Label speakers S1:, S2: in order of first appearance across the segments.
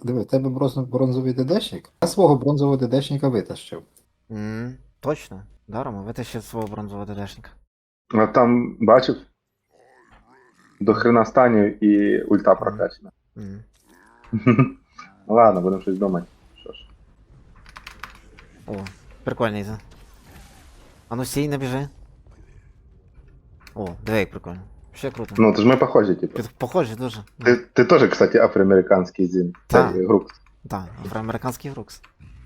S1: Диви, в тебе бронзовий ДДшник? Я свого бронзового ДДшника витащив.
S2: Точно. Даром, витащив свого бронзового ДДшника.
S3: А там, бачив, до хрена станів і ульта прокачана.
S2: Мгм.
S3: Ладно, будемо щось думати. Що ж.
S2: О, прикольний за. А ну сій, не біжи. О, диви, як прикольно. Ще круто.
S3: Ну, то ж ми похожі, типу.
S2: Похожі дуже.
S3: Ти теж, кстати, афроамериканський зін.
S2: Так.
S3: Цей грук.
S2: Так, афроамериканський Рукс.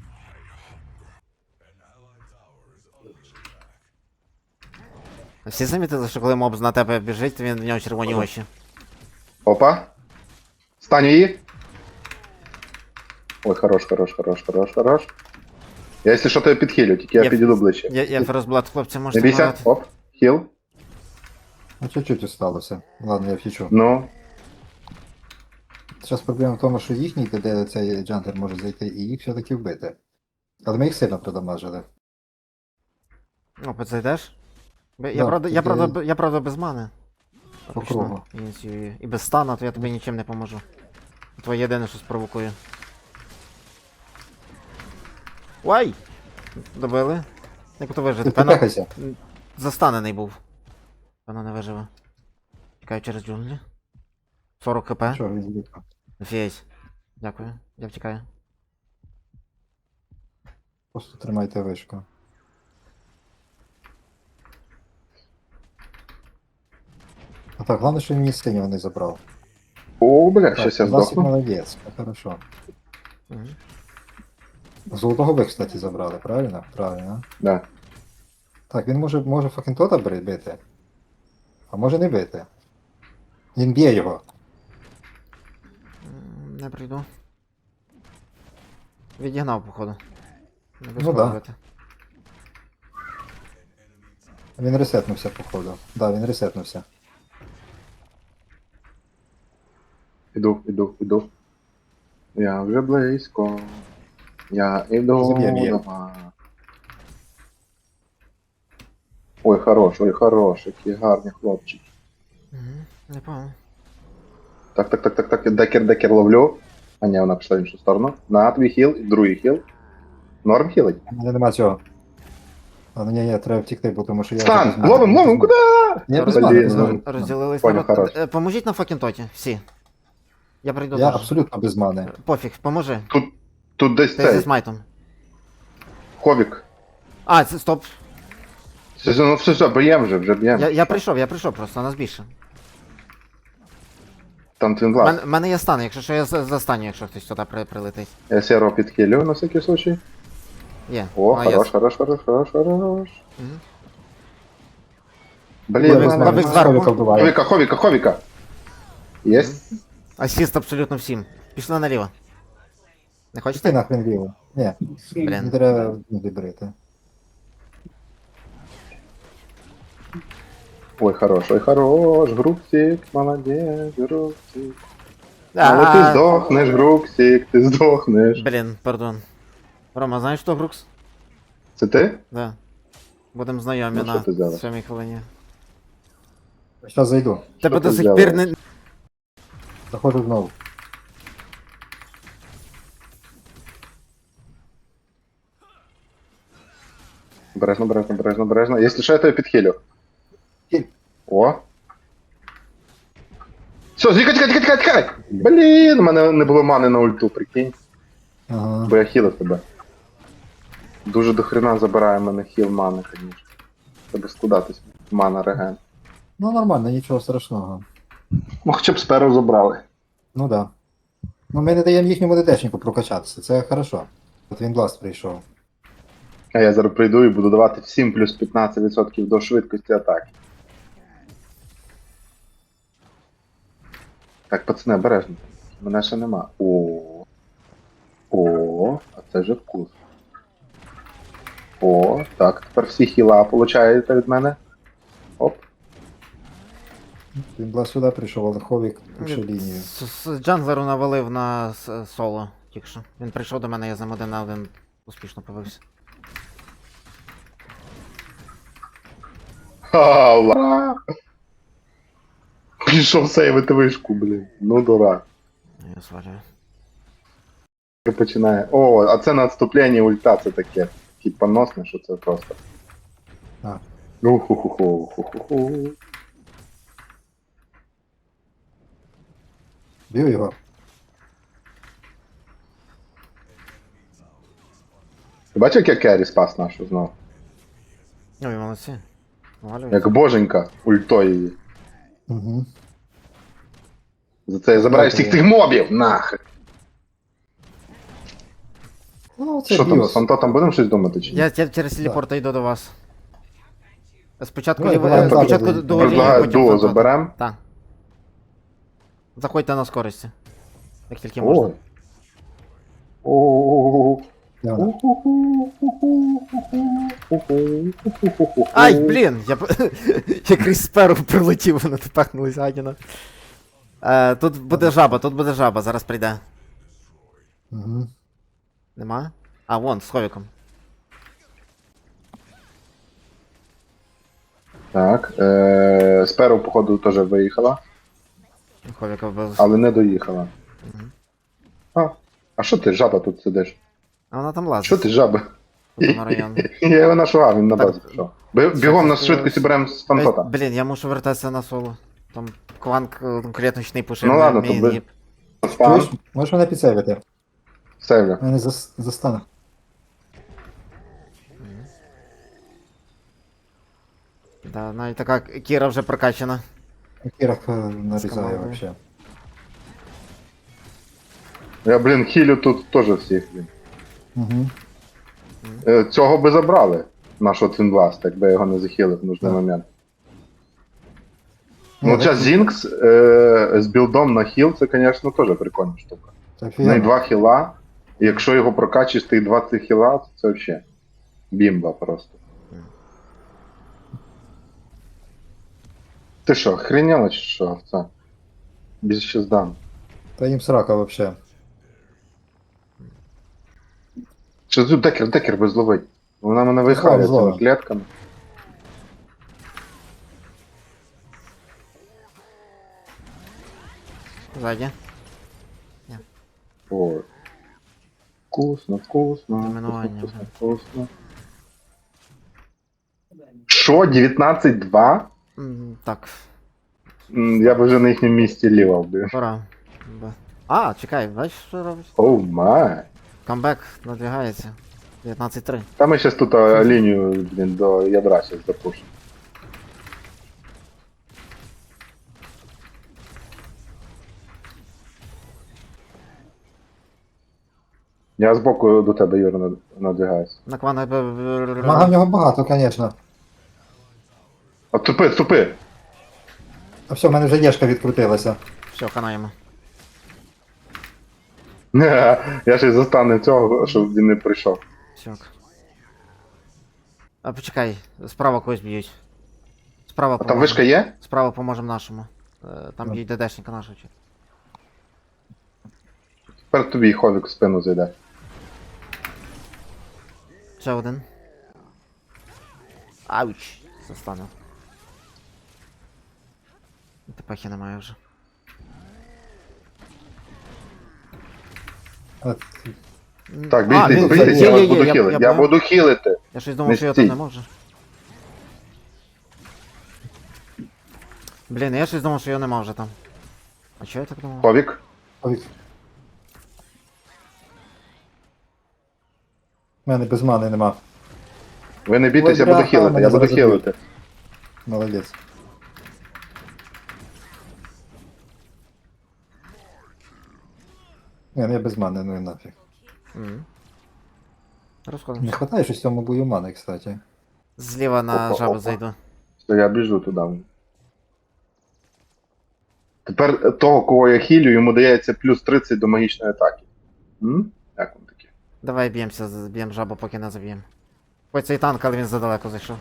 S2: Всі замітили, що коли моб на тебе біжить, то він в нього червоні очі.
S3: Опа. Стань її. Ой, хорош. Я, якщо що, то я підхилю, тільки я
S2: Я-
S3: підійду ближче.
S2: Я Ферозблад, хлопці,
S3: Не
S2: можете
S3: бійся,
S2: грати.
S3: оп, хіл.
S1: Ну, чуть-чуть осталося. Ладно, я втічу.
S3: Ну,
S1: Зараз проблема в тому, що їхній ДД цей джантер може зайти і їх все-таки вбити. Але ми їх сильно продамажили.
S2: Опа, зайдеш? Я,
S1: Да,
S2: правда, я,
S1: тоді-
S2: правда, я правда без мани.
S1: По
S2: Фактично,
S1: кругу.
S2: ініціюю. І без стана, то я тобі нічим не поможу. Твоє єдине, що спровокує. Вай! Добили. Як то вижити?
S1: Ти
S2: Певно,
S1: попехайся.
S2: застанений був. Певно не виживе. Тікаю через джунглі. 40 хп.
S1: Що, він зліпав?
S2: Офігеть. Дякую. Я втікаю.
S1: Просто тримайте вишку. А так, головне, що він мені синього не забрав.
S3: о, бля,
S1: Так,
S3: щось я
S1: Власик
S3: здохну.
S1: молодець, це хорошо.
S2: Мгм.
S1: Золотого ви, кстати, забрали, правильно? Правильно.
S3: Да.
S1: Так, він може Факентота бити. А може не бити. Він б'є його.
S2: Не прийду. Відігнав, походу. Не
S1: Ну
S2: без
S1: да.
S2: робити.
S1: Він ресетнувся, походу. Да, він ресетнувся.
S3: Іду. Я вже близько. Я іду
S1: Заб'єм її.
S3: до вас. Ой, хорош, які гарні хлопчики.
S2: Мгм. Непогано.
S3: Так, декер ловлю. А ні, вона пішла в іншу сторону. На твій хіл, другий хіл. Норм хілить.
S1: У мене нема цього. А, ну ні, треба втікти, бо тому що я...
S3: Стан!
S1: вже без мани.
S3: Ловим, куди?
S1: Я без
S3: Блін,
S1: мани, без
S3: ну.
S1: мани.
S2: Розділились.
S3: Понял,
S2: народ.
S3: хорош.
S2: Поможіть на Факентоті, всі. Я прийду
S1: Я
S2: теж.
S1: абсолютно без мани.
S2: Пофіг, поможи.
S3: Тут десь
S2: Ти зі
S3: цей.
S2: смайтом.
S3: Ховік.
S2: А, це стоп.
S3: Ну все, б'єм вже б'єм.
S2: Я прийшов просто, нас більше.
S3: Там твін блас.
S2: Мене є стан, якщо що я застаню, якщо хтось сюди прилетить.
S3: Я сіро підхилю на всякий случай.
S2: Є.
S3: О,
S2: молодець.
S3: хорош.
S2: Мгм.
S3: Блін,
S2: Ховік,
S3: ладно.
S2: Ховік зверху.
S1: Ховіка вбиває.
S3: Ховіка. Єсть.
S2: Асіст абсолютно всім. Пішли наліво. Не
S1: Ти
S2: хочете?
S1: нахрен ліво. Ні,
S2: Блін.
S1: не треба не брити.
S3: Ой, хорош, Груксик, молодець, Груксик. Але ти здохнеш, Груксик, ти здохнеш.
S2: Блін, пардон. Рома, знаєш що, Грукс?
S3: Це ти?
S2: Да. Будемо знайомі
S3: Ну, що
S2: на
S3: ти взяла?
S2: 7 хвилині.
S1: Зараз зайду.
S2: Тебе
S3: ти
S2: до сих
S3: взяла?
S2: пір не.
S1: Заходжу знову.
S3: Бережно. Якщо що, я тебе підхилю.
S1: Хіль.
S3: О. Все, тікай! Блін, у мене не було мани на ульту, прикинь.
S1: Ага.
S3: Бо я хілив тебе. Дуже до хрена забирає мене хіл мани, звісно. Треба складатись. Мана реген.
S1: Ну нормально, нічого страшного.
S3: Ну хоча б сперу забрали.
S1: Ну да. Ну ми не даємо їхньому ДДшнику прокачатися, це хорошо. От він бласт прийшов.
S3: А я зараз прийду і буду давати всім плюс 15% до швидкості атаки. Так, пацани, обережно. Мене ще нема. О, а це вже вкус. О, так, тепер всі хіла получаєте від мене. Оп.
S1: Він бласт сюди прийшов, але Ховік пише лінію.
S2: Джанглеру навалив на соло тільки що. Він прийшов до мене, я з ним один на один успішно побився.
S3: Ха, ура! Пішов сейвити вишку, блін. Ну дурак.
S2: Я свалюю.
S3: починає. О, а це на відступленні ульта, це таке. Поносне, що це просто.
S1: А.
S3: Уху-ху-ху.
S1: Б'ю його.
S3: Ти бачив, як я керрі спас нашу знову?
S2: Ой, молодці. Валюють.
S3: Як боженька ультою її.
S1: Угу.
S3: За це я забираю всіх тих мобів! Нахер!
S1: Ну, це
S3: Що там, з
S1: біос.
S3: фантотом будемо щось думати чи ні?
S2: Я через телепорт йду до вас. Спочатку,
S1: Давай,
S2: ліве-
S1: давай,
S2: спочатку
S1: давай.
S2: до Олії,
S3: Предлагаю
S2: потім
S3: дуо
S2: фантота.
S3: заберем.
S2: Так. Заходьте на скорості. Як тільки можна.
S3: Ой. О.
S1: Де вона?
S2: Ай, блін! Я крізь сперу прилетів, вона тепехнулась гадіна. Тут буде жаба, зараз прийде.
S1: Угу.
S2: Нема? А, вон, з ховіком.
S3: Так, сперу, походу, теж виїхала,
S2: Ховіка вбив.
S3: але не доїхала.
S2: Мгм.
S3: А що ти, жаба, тут сидиш?
S2: А вона там лазить.
S3: Що ти, жаба?
S2: Тут на район.
S3: Я його нашугав, він на
S2: Так.
S3: базі пішов. Бігом на швидкості беремо з фантота.
S2: Блін, я мушу вертатися на соло. Там кванк клеточний пушив.
S3: Ну ладно, то
S2: мій.
S1: Чуєш? Можеш мене підсейвити?
S3: Сейвлю.
S1: Мене застане.
S2: Да, навіть така Кіра вже прокачана.
S1: Кірах нарізає
S2: командою.
S1: вообще.
S3: Я, блін, хілю тут теж всіх, блін.
S1: Угу.
S3: Цього би забрали, нашого Твінбласта, якби його не захилив в нужний
S1: Так.
S3: момент. Ну, час Зінкс з білдом на хіл, це, звісно, теж прикольна штука.
S1: Це
S3: В неї
S1: офігенно.
S3: 2 хіла, і якщо його прокачиш, тих 20 хіла, то це взагалі бімба просто. Ти що, охренела чи що, це? Більше здам.
S1: Та їм срака вообще.
S3: Що тут декер би зловить? Вона мене вихає
S1: Зловим,
S3: цими клетками.
S2: Ззаді.
S3: О. Вкусно, вкусно.
S2: Домінування,
S3: Вкусно, вкусно. Що, 19-2?
S2: Так,
S3: Я б вже на їхньому місці лівав би.
S2: пора. А, чекай, бачиш, що робить?
S3: Оу май.
S2: Камбек надвигається. 19-3.
S3: Та ми зараз тут лінію, блін, до ядра зараз запушимо. Я збоку до тебе, Юра, надвигаюся.
S2: На квана.
S1: Мага в нього багато, звісно.
S3: А тупи, тупи!
S1: А все, в мене вже єшка відкрутилася.
S2: Все, хана йому.
S3: Я ще й застану цього, щоб він не прийшов.
S2: Сьок. А почекай, справа когось б'ють. Справа
S3: А там
S2: поможем.
S3: вишка є?
S2: Справа поможемо нашому. Там
S1: Ну.
S2: б'ють ДДшника нашого.
S3: Тепер тобі ховік в спину зайде.
S2: Ще один. Ауч! Застану. Тепехи немає вже.
S1: От,
S3: Так,
S2: А,
S3: бійтесь,
S2: він-
S3: бійтесь,
S2: є,
S3: я вас
S2: є,
S3: буду
S2: я
S3: хілити. Я
S2: понял.
S3: буду хілити.
S2: Я щось думав,
S3: Не
S2: що я
S3: стій.
S2: там не можу. Блін, я щось думав, що я не мав вже там. А чого я так думав?
S3: Ховік.
S1: ой. В мене без мани нема.
S3: Ви не бійтесь, я
S1: Ой,
S3: буду
S1: бляха,
S3: хілити,
S1: мене
S3: я буду
S1: зараз заб'ють.
S3: хілити.
S1: Молодець. Ні, ну я без мани, ну і нафіг.
S2: Мгм.
S1: Не
S2: Розходимося.
S1: хватає щось в цьому бою мани, кстати.
S2: Зліва на
S3: Опа,
S2: жабу
S3: опа.
S2: зайду.
S3: Все, я біжу туди. Тепер того, кого я хілю, йому дається плюс 30 до магічної атаки. Як він таке?
S2: Давай б'ємося, б'ємо жабу, поки не заб'ємо. Ой, цей танк, але він задалеко зайшов.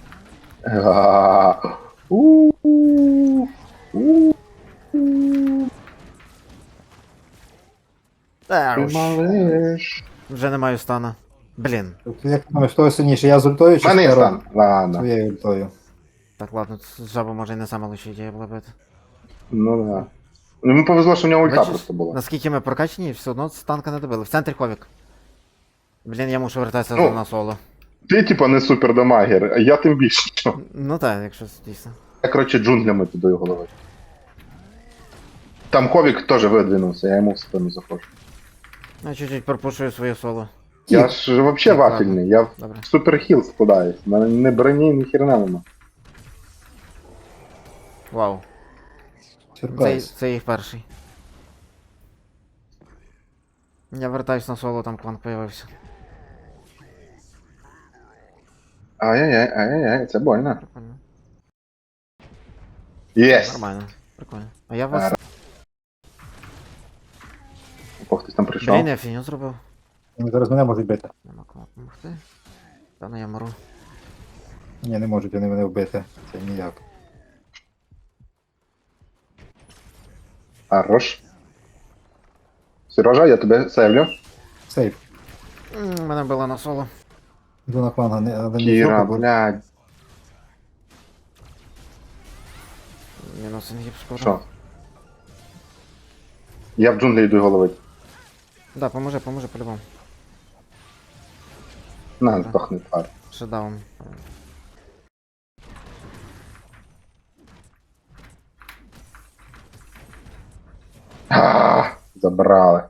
S2: Та
S3: Ти
S2: уж.
S3: малиш.
S2: Вже не маю стана. Блін.
S1: Як ти думаєш, хто сильніше? Я з ультою
S3: В
S1: чи
S3: мене є
S1: Сперо?
S3: стан. Ладно.
S1: Своєю ультою.
S2: Так, ладно, жаба може і не сама лучша ідея була бити.
S3: Ну да. Йому повезло, що в нього ульта
S2: Бачиш,
S3: просто була.
S2: наскільки ми прокачані, все одно з танка не добили. В центрі ховік. Блін, я мушу вертатися
S3: Ну.
S2: на соло.
S3: Ти, типа, не супердамагер, а я тим більше.
S2: Ну так, якщо дійсно.
S3: Я, коротше, джунглями туди голови. Там Ховік теж видвинувся, я йому в спину заходжу.
S2: Я чуть-чуть пропушую своє соло.
S3: Я ж вообще
S2: Ладно.
S3: вафельний, я в
S2: Добре.
S3: суперхіл складаюсь. У мене не броні, ні херна нема.
S2: Вау.
S1: Сюрприз.
S2: Це їх перший. Я вертаюсь на соло, там клан появився.
S3: Ай-яй-яй, ай-яй-яй, це больно.
S2: Прикольно.
S3: Єс!
S2: Нормально. Прикольно. А я вас.
S3: О, хтось там прийшов.
S2: Блін, я фіню зробив.
S1: Вони зараз мене можуть бити.
S2: Нема кому допомогти. Та ну я мару.
S1: Ні, не можуть вони мене вбити. Це ніяк.
S3: Хорош. Сережа, я тебе сейвлю.
S1: Сейф.
S2: Мене била на соло.
S1: Йду на клан, але не
S3: Кіра,
S1: зроблю, бо
S3: блядь.
S2: Мінус інгіб скоро.
S3: Що? Я в джунглі йду головити.
S2: Да, поможи по-любому.
S3: На, здохни, тварь.
S2: Шедаун.
S3: Забрали.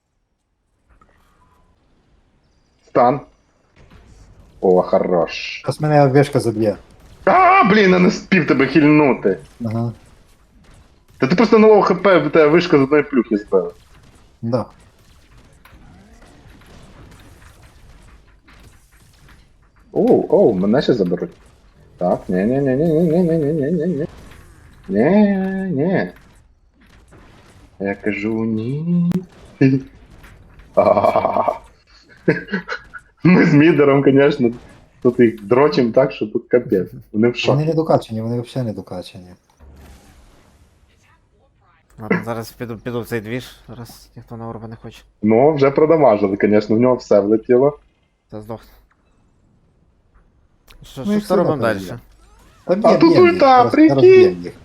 S3: Стан. О, хорош.
S1: зараз мене вишка заб'є.
S3: Блін, я не спів тебе хильнути.
S1: Ага.
S3: Та ти просто на лоу хп, в тебе вишка з одної плюхи збила.
S1: Да.
S3: Оу, мене ще заберуть. Так, ні. Ні. Я кажу ні. Ми з мідером, звісно, тут їх дрочим так, що тут капець. Вони в
S1: Вони
S3: шокі.
S1: не докачені, вони взагалі не докачені.
S2: Ладно, зараз піду в цей двіж, раз ніхто на орба не хоче.
S3: Ну, вже продамажили, звісно, в нього все влетіло.
S2: Це здохне. Що
S1: Ну, їх
S2: що робимо
S1: сюди
S2: далі?
S1: перейде. Та
S3: А тут
S1: б'єм їх,
S3: ульта,
S1: зараз
S3: прикинь!
S1: б'єм їх.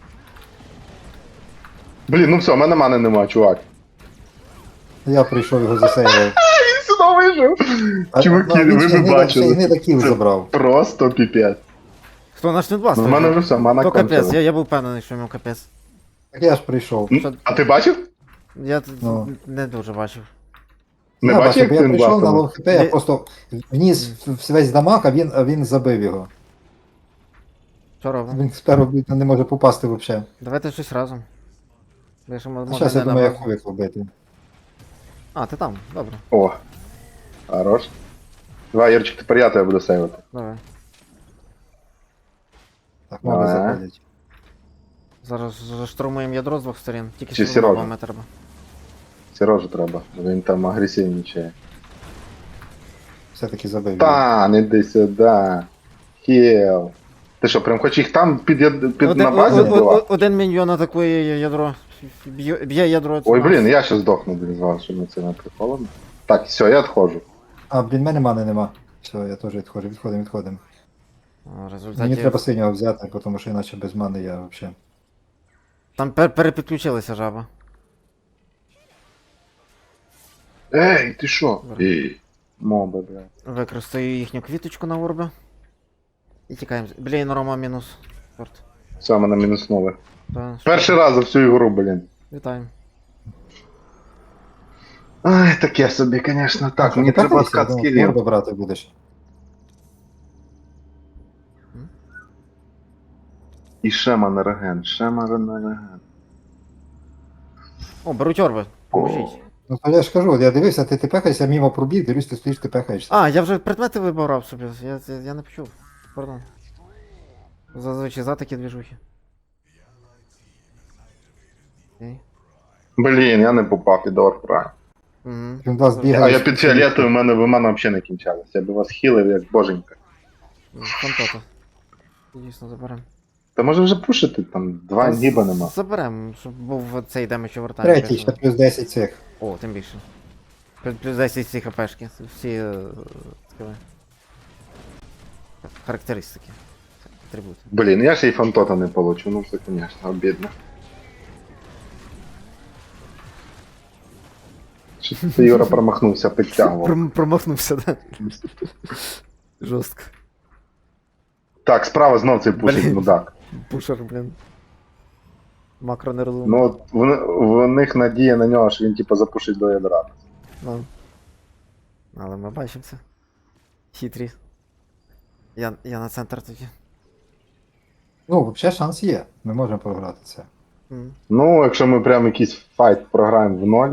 S3: Блін, ну все, в мене мани нема, чувак.
S1: Я прийшов його засейвив.
S3: Він сюди вижив! Чуваки, ви б бачили.
S1: Не такий
S3: Це
S1: забрав.
S3: Просто піпець.
S2: Хто наш не
S3: Ну, в мене вже все, мана
S2: То капець,
S3: кончилась.
S2: я був впевнений, що йому капець.
S1: Так я ж прийшов.
S3: А ти бачив?
S2: Я
S1: Ну.
S2: не дуже бачив.
S3: Не
S1: Я
S3: бачив,
S1: бачив,
S3: як
S1: я
S3: він
S1: прийшов на
S3: бластом?
S1: лов хп, я просто вніс весь дамаг, а він забив його.
S2: Що робимо?
S1: Він спершу не може попасти взагалі.
S2: Давайте щось разом. Я ще може
S1: Зараз я
S2: не
S1: думаю, як
S2: набрав.
S1: ховік робити.
S2: А, ти там, добре.
S3: О, хорош. Давай, Юрчик, тепер я тебе буду сейвити.
S2: Давай.
S1: Так, моби
S3: Ага.
S1: заходять.
S2: Зараз заштурмуємо ядро з двох сторін. Тільки
S3: Чи
S2: що
S3: Сережа?
S2: мобами треба.
S3: Сережу треба, бо він там агресивнічає.
S1: Все-таки забив його.
S3: Та, не йди сюди. Хіл. Ти що, прям хочеш їх там під на базі вбивати?
S2: Один міньйон атакує ядро. Б'є ядро.
S3: Ой, блін, я ще здохну без вас, щоб ми це не приколом. Так, все, я відходжу.
S1: А, блін, мене мани нема. Все, я теж відходжу, відходимо.
S2: В
S1: Мені
S2: результаті...
S1: треба синього взяти, тому що іначе без мани я взагалі.
S2: Там перепідключилася жаба.
S3: Ей, ти що?
S2: Добре.
S3: Ей, моби, блядь.
S2: Використаю їхню квіточку на орби. І тікаємо. Блін, Рома мінус. Чорт.
S3: Все, мене мінуснули.
S2: Та,
S3: Перший раз за всю ігру, блін.
S2: Вітаємо.
S3: Ай, таке собі, звісно. Так, мені треба откат скілів.
S1: Морду брати будеш.
S3: І Шема на реген, Шема на реген.
S2: О, беруть орби. Поможіть.
S1: Ну то я ж кажу, я дивився, ти пехаєшся мимо пробіг, дивлюсь, ти стоїш, ти пехаєшся.
S2: А, я вже предмети вибирав собі. Я не почув. Пардон. Зазвичай за такі двіжухи. Окей.
S3: Блін, я не попав під Орфрай.
S2: Угу.
S1: Він вас
S3: А
S1: бігає.
S3: я під фіолетою, в мене взагалі не кінчалось. Я би вас хілив як боженька.
S2: Фантота. Дійсно, заберем.
S3: Та може вже пушити, там два гіба нема.
S2: Заберем, щоб був цей демедж овертайм.
S1: Третій, ще плюс 10 цих.
S2: О, тим більше. Плюс 10 ці хпшки. Всі скажи, характеристики. Атрибути.
S3: Блін, я ще й фантота не получу, ну це, звісно, обідно. Щось ти, Юра, промахнувся, підтягував.
S2: Промахнувся, да? Жорстко.
S3: Так, справа знов цей пушить
S2: Блін.
S3: мудак.
S2: Пушер, блін. Макро не розумний.
S3: Ну, от в них надія на нього, що він типу запушить до ядра.
S2: Ну. Але ми бачимо це. Хитрі. Я на центр тоді.
S1: Ну, взагалі шанс є. Ми можемо програти це.
S2: М.
S3: Ну, якщо ми прям якийсь файт програємо в ноль,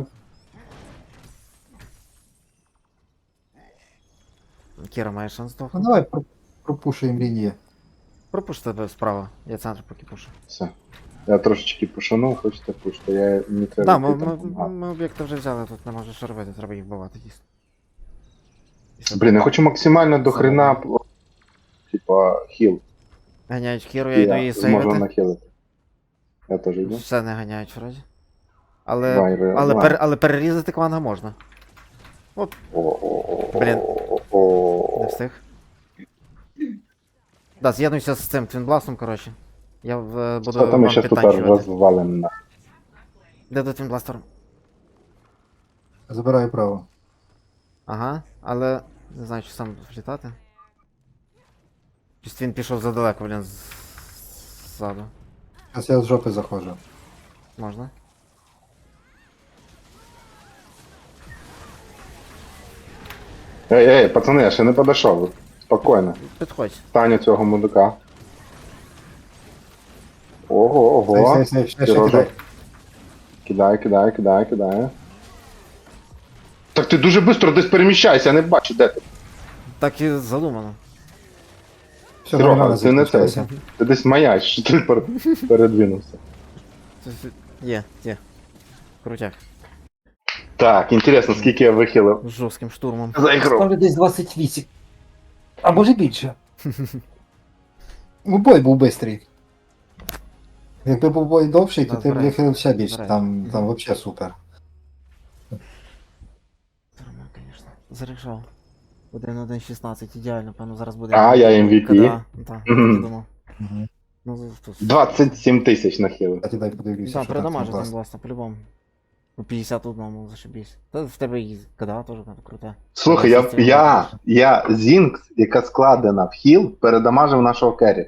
S2: Кіра має шанс
S1: Ну
S2: здохнути.
S1: давай пропушуємо лінії.
S2: Пропуш тебе справа. Я центр поки пушу.
S3: все. Я трошечки пошанув, хочете пушити, я не треба.
S2: Да,
S3: йти там помагати.
S2: ми об'єкти вже взяли, тут не може що робити, треба їх вбивати дійсно.
S3: Блін, я хочу максимально до хрена, типа, хіл.
S2: Ганяють Кіру, я йду її
S3: Можна
S2: сейвити.
S3: нахилити. Я теж йду.
S2: Все не ганяють вроді. Але перерізати кванга можна. Блін. Не встиг. Да, з'єднуйся з цим твінбластом, коротше. Я буду
S3: Що там ми
S2: вам
S3: щас тут
S2: підтанчувати.
S3: розвалимо на.
S2: Де до твінбластера?
S1: Забираю право.
S2: Ага, але не знаю, чи сам влітати. Щось він пішов задалеко, блін, ззаду.
S1: Зараз я з жопи заходжу.
S2: Можна?
S3: Ей, пацани, я ще не подійшов. Спокійно.
S2: Підходь.
S3: Таню цього мудака. Ого.
S1: Сейв, ще
S3: Сережа.
S1: кидай.
S3: Кидає. Так ти дуже швидко десь переміщайся, я не бачу, де ти.
S2: Так і задумано.
S1: Все,
S3: Серега,
S1: нормально
S3: ти не цей.
S1: закінчилося.
S3: Ти десь маяч, що ти передвинувся.
S2: Є. Крутяк.
S3: Так, інтересно, скільки я вихилив
S2: З жорстким штурмом.
S3: за ігру.
S1: Ставлю десь 28. А може більше. Ну, бой був бистрий. Якби був бой довший, то
S2: Да,
S1: ти б
S2: збирай.
S1: вихилив ще більше.
S2: Збирай.
S1: Там взагалі супер.
S2: Нормально, звісно. Зарішав. 1-1-16, ідеально, певно, зараз буде.
S3: А, я MVP.
S2: Так,
S3: Мгм.
S2: я думав.
S1: Угу.
S2: Ну, тут.
S3: 27 тисяч нахилив.
S1: Кстати, дай подивлюся,
S2: Да,
S1: що
S2: передамажив
S1: там
S2: він власне, по-любому. Ну, 51, зашибись. Та в тебе і КДА теж круте.
S3: Слухай, я Зінкс, яка складена в хіл, передамажив нашого керрі.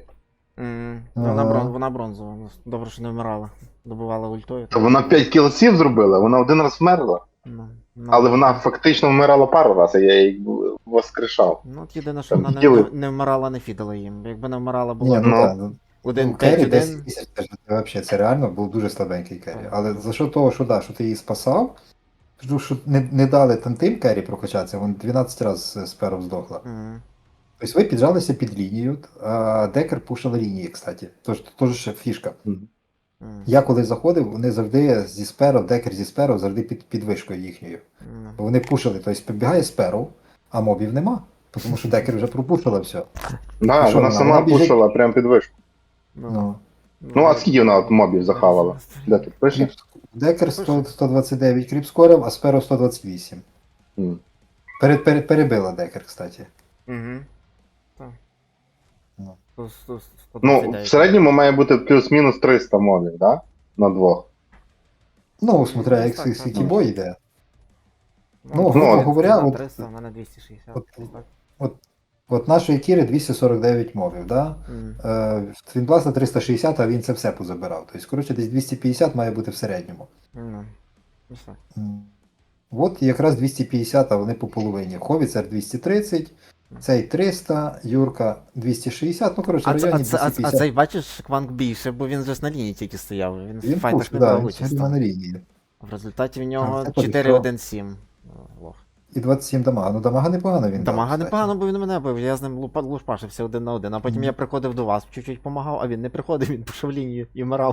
S2: Вона бронзова. Ну, добре, що не вмирала. Добивала ультою.
S3: То вона 5 кілсів зробила, вона один раз вмерла. Але вона фактично вмирала пару разів, я її воскрешав.
S2: Ну, от єдине, що
S3: Там
S2: вона
S3: хіли.
S2: не вмирала, не фідала їм. Якби не вмирала,
S1: Ні,
S2: було
S1: ну
S3: Ну,
S1: так. Ну,
S2: 1
S1: Керрі
S2: 5-1.
S1: 10 тисяч, це ж взагалі, це реально був дуже слабенький керрі. Але за що того, що да, що ти її спасав, що не дали там тим керрі прокачатися, вон 12 разів з пером здохла.
S2: Мгм.
S1: Тобто ви піджалися під лінію, а Декер пушив лінії, кстати. Тож теж ще фішка.
S2: Мгм.
S1: Я коли заходив, вони завжди зі сперов, Декер зі сперов завжди під вишкою їхньою.
S2: Ну.
S1: Вони пушили, тобто підбігає сперов, а мобів нема. Тому що Декер вже пропушила все.
S3: Да,
S1: що
S3: вона
S1: вона?
S3: сама
S1: Вона біжить-
S3: пушила прям під вишку.
S1: Ну.
S3: Ну а скільки вона от мобів захавала? Де тут пише?
S1: Кріп... Декер 129 кріп скорив, а сперов 128.
S3: М.
S1: Перебила Декер, кстати.
S2: Угу. Так.
S1: Ну.
S3: Ну, в середньому має бути плюс-мінус 300 мобів, да? На двох.
S1: Ну, смотря, як
S2: Так,
S1: скільки
S2: так.
S1: бой йде. Ну,
S3: ну,
S1: грубо говоря, от-
S2: 300, в мене 260.
S1: от-
S2: десь так.
S1: От нашої Кіри 249 мобів, да?
S2: Мгм.
S1: В Твінбласта 360, а він це все позабирав. Тобто, коротше, десь 250 має бути в середньому.
S2: Ну, ось так.
S1: От якраз 250, а вони по половині. Ховіцер 230, цей 300, Юрка 260, ну коротше, в районі 250.
S2: цей бачиш, Кванг більше, бо він же ж на лінії тільки стояв. Він в
S1: Він
S2: файтах
S1: пуш,
S2: не
S1: да,
S2: брав
S1: він
S2: участь.
S1: собі на лінії.
S2: В результаті в нього
S1: це
S2: 4-1-7. Лох.
S1: І 27 дамага. Ну дамага непогано він
S2: Дамага
S1: дав,
S2: непогано,
S1: кстати.
S2: бо він мене бив, я з ним лушпашився 1 на 1, а потім
S1: Мгм.
S2: я приходив до вас, чуть-чуть помагав, а він не приходив, він пішов лінію і вмирав.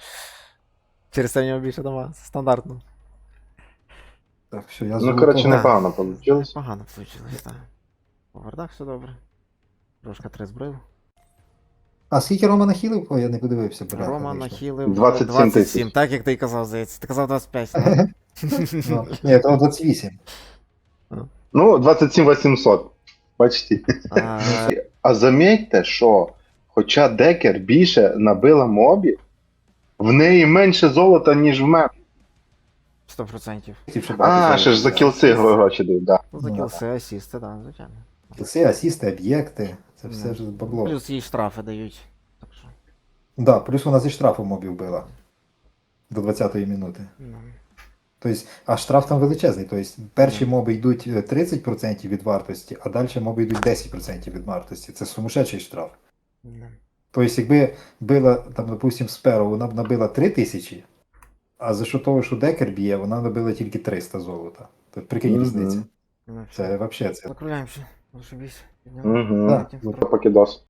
S2: Через це в нього більше дамага, це стандартно.
S1: Так, що, я
S3: Ну,
S1: золотого-
S3: коротше,
S2: Да.
S3: непогано вийшло.
S2: Погано вийшло, так. По вардах все добре. Трошка 3 збрив.
S1: А скільки Рома нахилив? О, я не подивився, бля.
S2: Рома нахилив
S3: 27 тисяч.
S2: так як ти й казав, здається. Ти казав 25, так?
S1: Ну, ні, то 28.
S3: Ну, 27 800. Почти.
S2: А,
S3: А замітьте, що хоча Декер більше набила мобів, в неї менше золота, ніж в мене.
S2: 100%.
S1: Хотів ще багато
S3: А,
S1: золота.
S3: ще ж за кілси гроші дають, да.
S2: Ну, за
S1: Ну,
S2: кілси, асісти, так, звичайно.
S1: Кілси, асісти, об'єкти. Це все
S2: Ну,
S1: ж бабло.
S2: Плюс їй штрафи дають. Так що.
S1: Да, плюс вона зі штрафу мобів била. До 20-ї минути.
S2: Ну.
S1: Тобто, а штраф там величезний. Тобто, перші
S2: Мгм.
S1: моби йдуть 30% від вартості, а далі моби йдуть 10% від вартості. Це сумасшедший штраф.
S2: Ну.
S1: Тобто, якби била, там, допустим, сперу, вона б набила 3000, а за що того, що декер б'є, вона набила тільки 300 золота. Тобто, прикинь
S3: Мгм.
S1: різницю.
S2: Ну,
S1: Це взагалі це.
S2: закругляємося. Зашибісь.
S3: Угу.
S1: Да,
S3: Покидос.